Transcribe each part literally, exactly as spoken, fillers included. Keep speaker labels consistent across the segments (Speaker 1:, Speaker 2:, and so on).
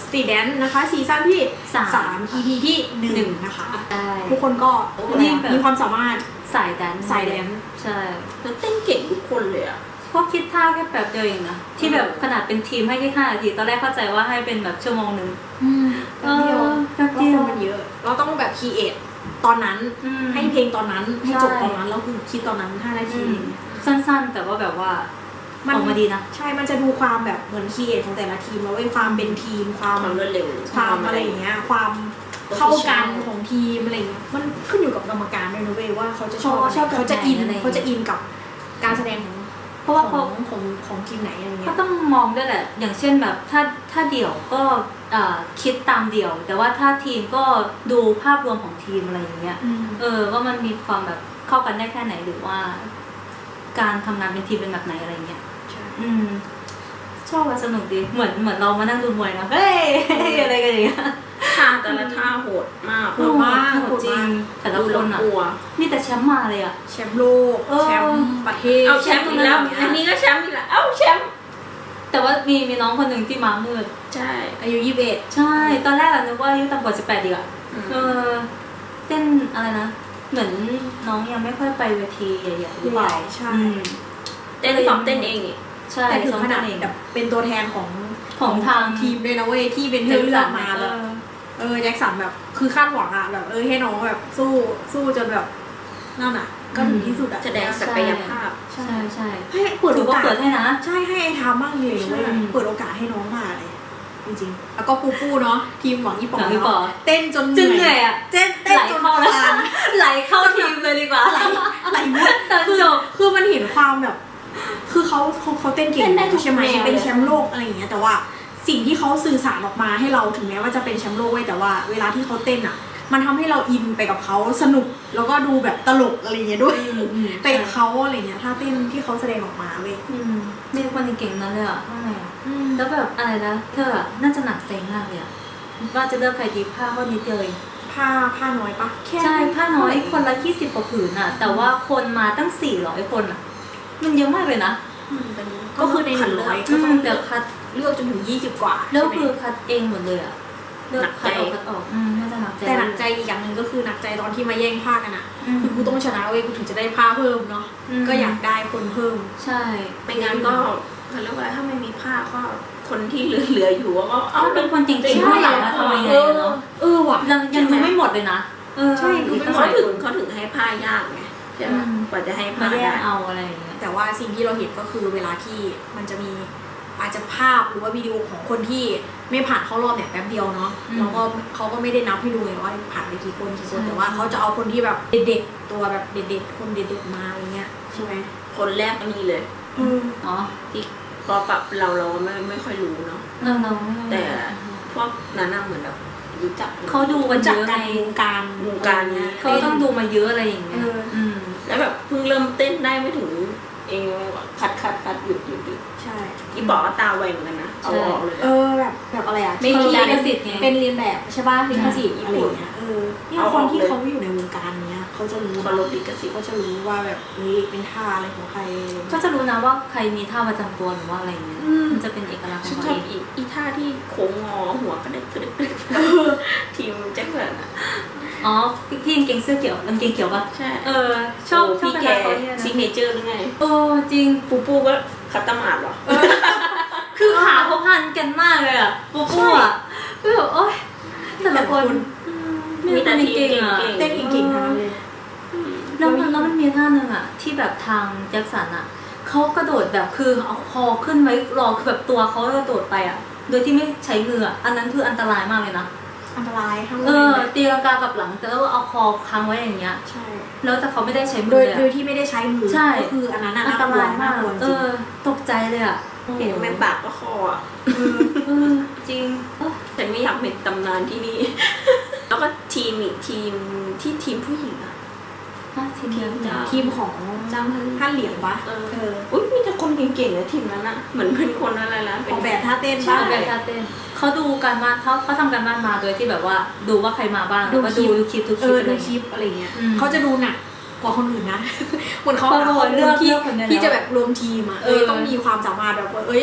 Speaker 1: Street Dance นะคะซีซั่นที่สาม อี พี ที่หนึ่งนะคะทุกคนก็มีความสามารถ
Speaker 2: สายแดน
Speaker 1: สายแดน
Speaker 2: ใช่
Speaker 3: แล้วเต้นเก่งทุกคนเลยอะ
Speaker 2: เพราะคิดท่าแค่แบบเดียวเองนะที่แบบขนาดเป็นทีมให้แค่ห้านาทีตอนแรกเข้าใจว่าให้เป็นแบบชั่วโมงนึง
Speaker 1: แป๊บเดียวแป๊บเดียวมันเยอะเราต้องแบบครีเอทตอนนั้นให้เพลงตอนนั้นให้จบตอนนั้นแล้วคือคิดตอนนั้นห้านาที
Speaker 2: สั้นๆแต่ว่าแบบว่าออกมาดีนะ
Speaker 1: ใช่มันจะดูความแบบเหมือนครีเอทของแต่ละทีมแล้วไอ้ความเป็นทีมความ
Speaker 3: รวดเร็ว
Speaker 1: ความอะไรอย่างเงี้ยความเข้ากันของทีมอะไรเงี้ยมันขึ้นอยู่กับกรรมการด้วยนะเว้ยว่าเขาจะชอบเขาจะอินเขาจะอินกับการแสดงของเพราะว่าของของของทีมไหนอะไรเงี้ย
Speaker 2: ก็ต้องมองด้วยแหละอย่างเช่นแบบถ้าถ้าเดี่ยวก็คิดตามเดี่ยวแต่ว่าถ้าทีมก็ดูภาพรวมของทีมอะไรอย่างเงี้ยเออว่ามันมีความแบบเข้ากันได้แค่ไหนหรือว่าการทำงานเป็นทีมเป็นแบบไหนอะไรเงี้ยอืมชอบสนุกดีเหมือนเหมือนเรามานั่งดูมวยนะเฮ้ยอะไรกันอย่างเงี้ย
Speaker 3: ท่าแต่ละท่าโหดมาก
Speaker 1: โหดมากโหดจริง
Speaker 2: แต่ละคนอ่ะนี่แต่แชมป์มาเลยอ่ะ
Speaker 1: แชมป์โลกแชมป์ประเทศ
Speaker 3: เอาแชมป์อีกแล้วอันนี้ก็แชมป์อีกแล้วเอ้าแชมป์
Speaker 2: แต่ว่ามีมีน้องคนหนึ่งที่มามืด
Speaker 3: ใช่
Speaker 1: อายุยี่สิบเอ็ด
Speaker 2: ใช่ตอนแรกอะนึกว่าอายุต่ำกว่าสิบแปดดีอ่ะเออเต้นอะไรนะเหมือนน้องยังไม่ค่อยไปเวทีใหญ่ๆหรือเปล่า
Speaker 1: ใช่
Speaker 3: เต้นซ้อมเต้นเองนี่
Speaker 2: ใช่
Speaker 1: แต่ถึงขนาดแบบเป็นตัวแทนของ
Speaker 2: ของทาง
Speaker 1: ทีมเลยนะเว้ยที่เป็นเลือกมาแบบเออแจ็คสันแบบคือคาดหวังอะแบบเออให้น้องแบบสู้สู้จนแบบนั่นอะก็ถึงที่สุดอะ
Speaker 3: แสดงศักยภาพ
Speaker 2: ใช่ใช่
Speaker 1: ให้เปิดโอกาส
Speaker 2: เปิดให้นะ
Speaker 1: ใช่ให้ไอ้ทำบ้างเลยเว้ยเปิดโอกาสให้น้องมาเลยจริงๆแล้วก็ปูปูเนาะทีมหวังยี่ปอเนาะเต้นจน
Speaker 2: เหนื่อยอะ
Speaker 1: เต้นเต้นจน
Speaker 2: ไหลเข้าทีมเลยดีกว่า
Speaker 1: ไหลไหลมุด
Speaker 2: ตอนจบ
Speaker 1: คือมันเห็นความแบบคือเขาเขาเขาเต้นเก่งใช่ไหมเป็นแชมป์โลกอะไรอย่างเงี้ยแต่ว่าสิ่งที่เขาสื่อสารออกมาให้เราถึงแม้ว่าจะเป็นแชมป์โลกไว้แต่ว่าเวลาที่เขาเต้นอ่ะมันทำให้เราอินไปกับเขาสนุกแล้วก็ดูแบบตลกอะไรเงี้ยด้วยไปกับเขาอะไรเงี้ยถ้าเต้นที่เขาแสดงออกมาเว้ย
Speaker 2: มีคนเก่งนั้นเลยอ่ะว่าไงอ่ะแล้วแบบอะไรนะเธออ่ะน่าจะหนักใจมากเลยอ่ะว่าจะเลือกใครดีผ้าก็นิดเดียวเอง
Speaker 1: ผ้าผ้าน้อยปะ
Speaker 2: ใช่ผ้าน้อยคนละยี่สิบกว่าผืนอ่ะแต่ว่าคนมาตั้งสี่ร้อยคนอ่ะมันเยอะมากเลยนะ
Speaker 1: ก็คือในหนึ่งร้อยก็ต้องเลือกคัดเลือกจนถึงยี่สิบกว่า
Speaker 2: แล้วคือคัดเองหมดเลยอ่ะเลือกคัดออกคัดออกอืมน่าจะหนักใจ
Speaker 1: แต่หนักใจอีกอย่างหนึ่งก็คือหนักใจตอนที่มาแย่งผ้ากันอ่ะคือกูต้องชนะเว้ยกูถึงจะได้ผ้าเพิ่มเนาะก็อยากได้คนเพิ่ม
Speaker 2: ใช่
Speaker 3: ไม่งั้นก็เขาเรียกว่าถ้าไม่มีผ้าก็คนที่เหลือๆอยู่ก็
Speaker 2: เอาเป็นคนจริงๆข้างหลังมาทำยังไงเนาะ
Speaker 1: เออว่ะ
Speaker 2: ยังยังดูไม่หมดเลยนะ
Speaker 1: ใช่ดู
Speaker 3: เขาถึงเขาถึงให้ผ้ายากไงใช่ไหมกว่าจะให้ผ้า
Speaker 2: ได้เอาอะไรอย่างเงี้ย
Speaker 1: แต่ว่าสิ่งที่เราเห็นก็คือเวลาที่มันจะมีอาจจะภาพหรือว่าวิดีโอของคนที่ไม่ผ่านเข้ารอบเนี่ยแป๊บเดียวเนาะแล้วก็เขาก็ไม่ได้นับให้ดูไงว่าผ่านไปกี่คนกี่คนแต่ว่าเขาจะเอาคนที่แบบเด็ดๆตัวแบบเด็ดๆคนเด็ดๆมาอะไรเงี้ยใช่ไหม
Speaker 3: คนแรกก็มีเลย
Speaker 2: อ๋อ
Speaker 3: ที่ก็ปรับเราเราไม่ไม่ค่อยรู้เนาะแต่พวกนั้นเหมือนแบบรู้จัก
Speaker 2: เขาดูกันเยอะใน
Speaker 1: วงการ
Speaker 3: วงการนี้
Speaker 2: เขาต้องดูมาเยอะอะไรอย่างเงี้ย
Speaker 3: แล้วแบบเพิ่งเริ่มเต้นได้ไม่ถึงเองคัดคัดคัดหยุดหยุดหยุด
Speaker 1: ใช่
Speaker 3: ที่บอกว่าตาไวเหมือนกันนะเอาออกเลย
Speaker 1: เออแบบแบบอะไรอ่ะ
Speaker 2: ไม่มีลิขสิทธิ์ไง
Speaker 1: เป็นเรียนแบบใช่ป่ะลิขสิทธิ์อะไรอย่างเงี้ยเออเนี่ยคนที่เขาอยู่ในวงการเนี้ยเขาจะรู้
Speaker 3: เขาลดลิขสิทธิ์
Speaker 1: เขาจะรู้ว่าแบบนี่เป็นท่าอะไรของใคร
Speaker 2: ก็จะรู้นะว่าใครมีท่าประจำตัวหรือว่าอะไรเงี้ยมันจะเป็นเอกลักษณ์ของ
Speaker 3: เขาเองอีท่าที่โค้งงอหัวกระเด็กกระเด็กทีมแจ็คสันอะ
Speaker 2: อ๋อพี่กางเกงเสื้อเขียวกางเกงเขียวป่ะ
Speaker 3: ใช่
Speaker 2: เออชอบ
Speaker 3: พี่แกซิกเนเจอร์หรือไง
Speaker 2: เออจริง
Speaker 3: ปูปูก็คัตตามาดหรอ
Speaker 2: คือขาเขาพันกันมากเลยอ่ะปูปูอ่ะคือแบบโอ๊ยแต่ละคน
Speaker 3: มีแต่ทีเก่ง
Speaker 1: เต้นเก่งๆทั้งนั้นเลย
Speaker 2: แล้วมันแล้วมันมีท่านึงอ่ะที่แบบทางแจ็คสันอ่ะเขากระโดดแบบคือเอาคอขึ้นไว้รอคือแบบตัวเขากระโดดไปอ่ะโดยที่ไม่ใช้มืออันนั้นคืออันตรายมากเลยนะ
Speaker 1: อันตรายทั้ง
Speaker 2: เออตีลังกากับหลังแต่แล้วเอาคอค้างไว้อย่างเงี้ย
Speaker 1: ใช่
Speaker 2: แล้วแต่เขาไม่ได้ใช้มือ
Speaker 1: โดย
Speaker 2: โ
Speaker 1: ดยที่ไม่ได้ใช้มือก็คืออันนั้น
Speaker 2: อันตรายมากเออตกใจเลยอ่ะ
Speaker 3: เห็นแม่ปากก็คออ่ะ
Speaker 2: เออจริง
Speaker 3: แต่ไม่อยากเป็นตำนานที่นี่แล้วก็ทีมอีกทีมที่ทีมผู้หญิงอ่ะ
Speaker 1: ทีมทีมของจังท่านเหลียงปะ
Speaker 3: เอออุ้ยมีแต่คนเก่งๆเลยทีมนั้นอ่ะเหมือนเป็นคนอะไรนะ
Speaker 1: ออกแบบท่าเต้น
Speaker 2: ใช่แบบท่าเต้นเขาดูการบ้านเขาเขาทำการบ้านมาโดยที่แบบว่าดูว่าใครมาบ้างแล้วก็ดูคลิปทุกคลิป
Speaker 1: ดูคลิปอะไรเงี้ยเขาจะดูหนักกว่าคนอื่นนะเหมือนเขา
Speaker 2: เลือก
Speaker 1: ที่ที่จะแบบรวมทีมอ่ะเออต้องมีความสามารถแบบว่าเอ้ย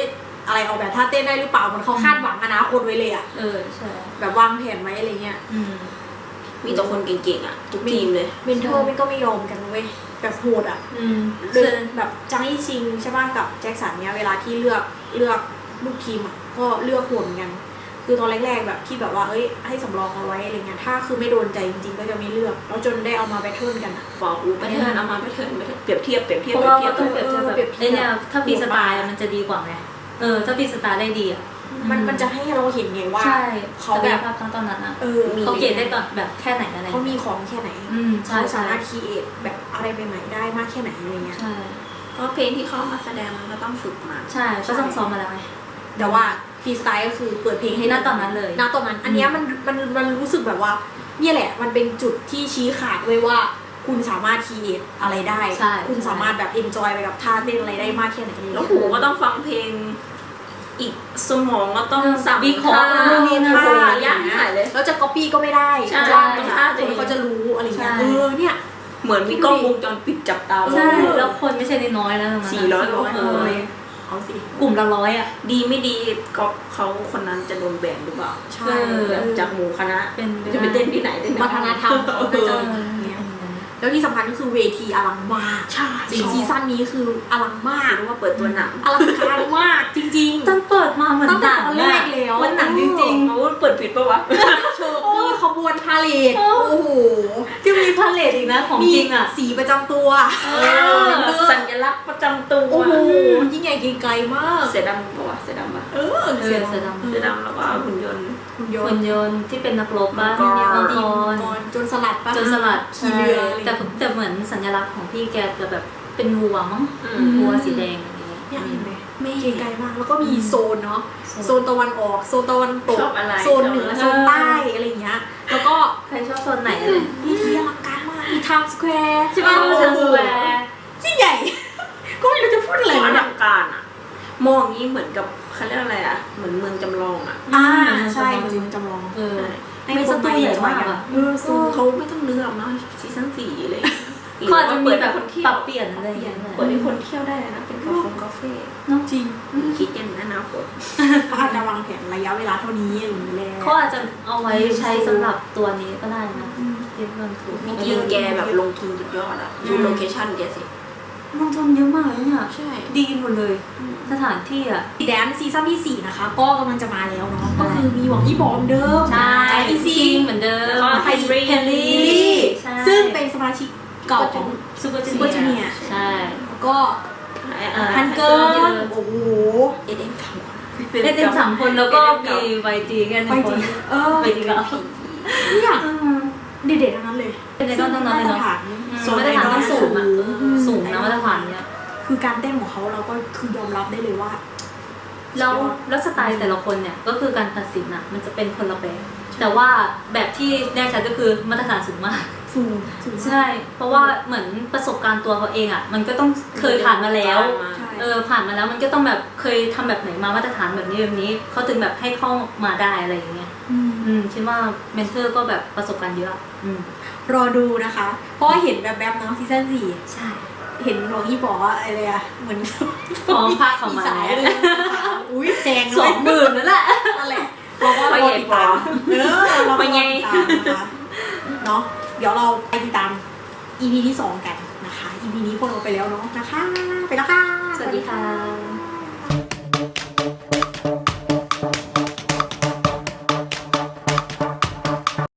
Speaker 1: อะไรออกแบบท่าเต้นได้หรือเปล่าเหมือนเขาคาดหวังอนาคตไว้เลยอะ
Speaker 2: เออใช่
Speaker 1: แบบวางแผนไว้อะไรเงี้ย
Speaker 2: อืม
Speaker 3: มีแต่คนเก่งๆอ่ะทุกทีมเลย
Speaker 1: เมนเทอร์มันก็ไม่ยอมกันเว้ยแบบโหดอ่ะ
Speaker 2: อืม
Speaker 1: เลือกแบบจางอี้ซิงใช่ป่ะกับแจ็คสันเนี้ยเวลาที่เลือกเลือกลูกทีมอ่ะก็เลือกโหดเหมือนกันคือตอนแรกๆแบบที่แบบว่าเอ้ยให้สำรองเอาไว้อะไรเงี้ยถ้าคือไม่โดนใจจริงๆก็จะไม่เลือกแล้วจนได้เอามาแบทเทิลกันอ่ะ
Speaker 3: บอกอูไปเทิร์นเอามาไปเทิร์นไปเทิร์นเปรียบเทียบเปรียบเทียบ
Speaker 2: เพราะ
Speaker 3: เปรี
Speaker 2: ว่าย
Speaker 3: บเทีย
Speaker 2: ก็
Speaker 3: บ
Speaker 2: ต้องเปรียบเทียบแบบ
Speaker 1: เออเปรียบเทียบ
Speaker 2: ไอ้เนี่ยถ้าฟรีสไตล์มันจะดีกว่าไงเออถ้าฟรีสไตล์ได้ดีอ่ะ
Speaker 1: มันมันจะให้เราเห็นไงว่า
Speaker 2: ใช่
Speaker 1: เขา
Speaker 2: ศัก
Speaker 1: แบ
Speaker 2: ย
Speaker 1: บ
Speaker 2: ภาพทั้งตอนนั้นอ่ะ
Speaker 1: เออ
Speaker 2: เขาเก่งได้ก่อนแบบแค่ไหนอะไร
Speaker 1: เขามีของแค่ไหน
Speaker 2: อืมใช่
Speaker 1: เขา
Speaker 2: ใช่
Speaker 1: สามารถคีเอทแบบอะไรใหม่ๆได้มากแค่ไหนอะไรเงี้ย
Speaker 2: ใช่
Speaker 3: เพราะเพลงที่เขามาแสดงมันก็ต้องฝึกมา
Speaker 2: ใช่ก็ต้องซ้อมมาแล้วไง
Speaker 1: แต่ว่าฟรีสไตล์ก็คือเปิดเพลงให้
Speaker 2: ณตอนนั้นเลย
Speaker 1: ณตอนนั้นอันเนี้ยมันมันมันรู้สึกแบบว่าเนี่ยแหละมันเป็นจุดที่ชี้ขาดไว้ว่าคุณสามารถคีเอทอะไรได้
Speaker 2: ใช่
Speaker 1: คุณสามารถแบบเอนจอยไปกับท่าเต้นอะไรได้มากแค่ไหนอะไร
Speaker 3: แล้ว
Speaker 1: เงี้ย
Speaker 3: หูก็ต้องฟังเพลงอีกสมองก็ต้องสั่ง
Speaker 2: วิเคราะห์นู่นนี่นั่น
Speaker 3: ท่ายากหายเลย
Speaker 1: แล้วจะก๊อปปี้ก็ไม่ได้
Speaker 3: ใช่
Speaker 1: เพราะว่า
Speaker 3: ต้อง
Speaker 1: ค
Speaker 3: ท่าตัวเอง
Speaker 1: นเขาจะรู้อะไรเงี้ย
Speaker 2: ใช่
Speaker 1: เออเนี่ย
Speaker 3: เหมือนมีกล้องวงจรปิดจับตา
Speaker 2: ใช่แล้วคนไม่ใช่น้อยๆแล้วตงนั้น
Speaker 3: สี่ร้อยกว่า
Speaker 2: เอ
Speaker 3: คน
Speaker 2: อ
Speaker 1: เอาสิ
Speaker 2: กลุ่มละร้อยอ่ะ
Speaker 3: ดีไม่ดีก็เขาคนนั้นจะโดนแบนหรือเปล่า
Speaker 1: ใช่
Speaker 2: เออ
Speaker 3: แบบจากหมู่คณะ
Speaker 2: เป็น
Speaker 3: จะไปเต้นที่ไหนเต้น
Speaker 1: วัฒนธรรมเขาน่าจะ
Speaker 2: เออ
Speaker 1: อย่างเงี้ยแล้วที่สำคัญก็คือเวทีอลังมาก
Speaker 3: ใช่
Speaker 1: จริงซีซั่นนี้คืออลังมาก
Speaker 3: หรือว่าเปิดตัวหนัง
Speaker 1: อลังการมากจริงๆ
Speaker 2: ตอนเปิดมาเหมือน
Speaker 1: ตั้งแต่
Speaker 2: หนัง
Speaker 1: ตอนแรกแล้ว
Speaker 2: มันหนังจริง
Speaker 3: เขาเปิดผิดปะวะ
Speaker 1: เชิญมีขบวนพาเลท
Speaker 2: โอ้
Speaker 1: โอ้โห
Speaker 2: ๆที่มีพาเลทอีกนะของ
Speaker 1: มี
Speaker 2: จริงอ่ะ
Speaker 1: สีประจำตัว
Speaker 2: เอ
Speaker 1: อ
Speaker 3: สัญลักษณ์ประจำตัว
Speaker 1: โอ้โหยิ่งใหญ่เกรียงไกรมาก
Speaker 3: เสือดำปะวะเสือดำปะ
Speaker 1: เออ
Speaker 2: เออเสือดำ
Speaker 3: เสือดำแล้วก็หุ่นยนต์
Speaker 1: หุ่นย
Speaker 2: หุ่
Speaker 1: น
Speaker 2: น
Speaker 1: ต์
Speaker 2: ยนต์ที่เป็นนักรบบ้าง
Speaker 3: มังกร
Speaker 2: มังก
Speaker 1: มั
Speaker 2: ร
Speaker 1: งกรจนสลัดปะ
Speaker 2: จนสลัด
Speaker 1: ขี่เรือ
Speaker 2: แต่แต่เหมือนสัญลักษณ์ของพี่แกจะแบบเป็นวัวมั้ง
Speaker 3: อืม
Speaker 2: วัวสีแดงอย่างเงี้ย
Speaker 1: เนี่ยเห็นไหมไม่เกรียงไกรมากแล้วก็มีโซนเนาะ
Speaker 2: โซน
Speaker 1: โซนตะวันออกโซนตะวันตก
Speaker 3: ชอบอะไร
Speaker 1: โซนเหนือ
Speaker 3: ชอบอะไร
Speaker 1: โซนใต้อะไรอย่างเงี้ยแล้วก็
Speaker 2: ใครชอบโซนไหน
Speaker 1: มีที่อลังการมากมีไทม์สแควร์ใช่ปะ
Speaker 2: เออ Times Square
Speaker 1: ยิ่งใหญ่ ก็ไม่รู้จะพูดอะไร
Speaker 3: อ
Speaker 1: แล้ว
Speaker 3: ลั
Speaker 1: เนี่ย
Speaker 3: งการอ่ะ มองอย่างนี้เหมือนกับเขาเรียกอะไรอ่ะ เหมือนเมืองจำลองอ่ะ
Speaker 1: อ่า
Speaker 2: อืม
Speaker 1: ใช่
Speaker 2: จำลอง
Speaker 1: จริงจำลอง
Speaker 2: เออ
Speaker 1: ให้
Speaker 2: ไม่
Speaker 1: ค
Speaker 2: ส
Speaker 1: น
Speaker 2: ตู
Speaker 1: มา
Speaker 2: ใหญ่
Speaker 1: เอนจอย
Speaker 2: มาก
Speaker 1: กัน
Speaker 2: อ่ะ
Speaker 1: เออ
Speaker 3: ซึ่งเขาไม่ต้องเลือกเนาะซีซั่นสี่เลย
Speaker 2: เขาอาจจะมีแบบ
Speaker 3: คนเที่ย
Speaker 2: ปรั
Speaker 3: ว
Speaker 2: บเปลี่ยนอะไรอย่างเงี้ย
Speaker 3: เปิดให้คนเที่ยวได้นะ เป็นกาแฟกาแฟ
Speaker 2: เนาะ
Speaker 1: จริง
Speaker 3: คิดยันอนาคต
Speaker 1: เขาอาจจะวางแผนระยะเวลาเท่านี้อะไรอย่างเงี้ยแหละ
Speaker 2: เขาอาจจะเอาไว้ใช้สำหรับตัวนี้ก็ได้นะเรียกเงินถูก
Speaker 3: มีทีมแกแบบลงทุนสุดยอดอ่ะดูโลเคชั่นแกสิ
Speaker 2: ลงทุนเยอะมากเลยเนี่ย
Speaker 3: ใช่
Speaker 2: ดีหมดเลย สถานที่อ่ะ
Speaker 1: แดนซีซั่นที่สี่นะคะ ก็กำลังจะมาแล้วเนาะก็คือมีหวังยี่บอมเดิม
Speaker 2: ใช่
Speaker 1: อีซี
Speaker 2: เหมือนเดิม
Speaker 3: แล้วก็ไฮบริด
Speaker 2: เฮนรี่
Speaker 1: ลิลลี่
Speaker 2: ใช่
Speaker 1: ซึ่งเป็นสมาชิกเก่าของ
Speaker 2: ซูเปอร์จู
Speaker 1: Super
Speaker 2: เนีย
Speaker 1: Junior
Speaker 2: ใช่
Speaker 1: แล้วก็
Speaker 2: อ่า
Speaker 1: ฮันเกิร์ลโอ้โห
Speaker 3: เอเดนทำ
Speaker 2: เล่นเต็มสามคนแล้วก็มีไวจีแค่ห
Speaker 1: ไป
Speaker 2: นึ่งค
Speaker 1: จริ
Speaker 2: น
Speaker 1: งเออ
Speaker 2: ไวจีก็
Speaker 1: เนี่ยเด็ดๆทั้งนั้นเลย
Speaker 2: เป็นไอดอลทั้งนั้นเลย
Speaker 1: มาตร
Speaker 2: เนาะ
Speaker 1: ฐาน
Speaker 2: ส่วนมาตรฐานต้องสูงอ่ะเออสูงนะมาตรฐานเนี้ย
Speaker 1: คือการเต้นของเขาเราก็คือยอมรับได้เลยว่า
Speaker 2: แล้วแล้วสไตล์แต่ละคนเนี่ยก็คือการตัดสินอ่ะมันจะเป็นคนละแบบแต่ว่าแบบที่แน่ชัดก็คือมาตรฐานสูงมาก
Speaker 1: สูงสูง
Speaker 2: ใช่ เพราะว่าเหมือนประสบการณ์ตัวเขาเองอ่ะมันก็ต้องเคยผ่านมาแล้ว
Speaker 1: ใช่
Speaker 2: เออผ่านมาแล้วมันก็ต้องแบบเคยทำแบบไหนมามาตรฐานแบบนี้แบบนี้เขาถึงแบบให้เข้ามาได้อะไรอย่างเงี้ย
Speaker 1: อืม
Speaker 2: อืมคิดว่าเมนเทอร์ก็แบบประสบการณ์เยอะอืม
Speaker 1: รอดูนะคะ เพราะว่าเห็นแบบแบบๆเนาะซีซั่นสี่
Speaker 2: ใช่
Speaker 1: เห็นหลวงพี่บอกว่าอะไรอะเหมือน
Speaker 2: ฟ้องภาคเขามา
Speaker 1: สายเลยอุ้ยแพง
Speaker 2: สองหมื่นนั่นแหละ
Speaker 1: นั่นแหละเราก็รอติดตามเออเราก็รอติดตามนะคะเนาะเดี๋ยวเราไปติดตาม อี พี ที่สองกันนะคะ อี พี นี้พวกเราไปแล้วเนาะนะคะ ไปแล้วค่ะ
Speaker 2: สวัสดีค่ะ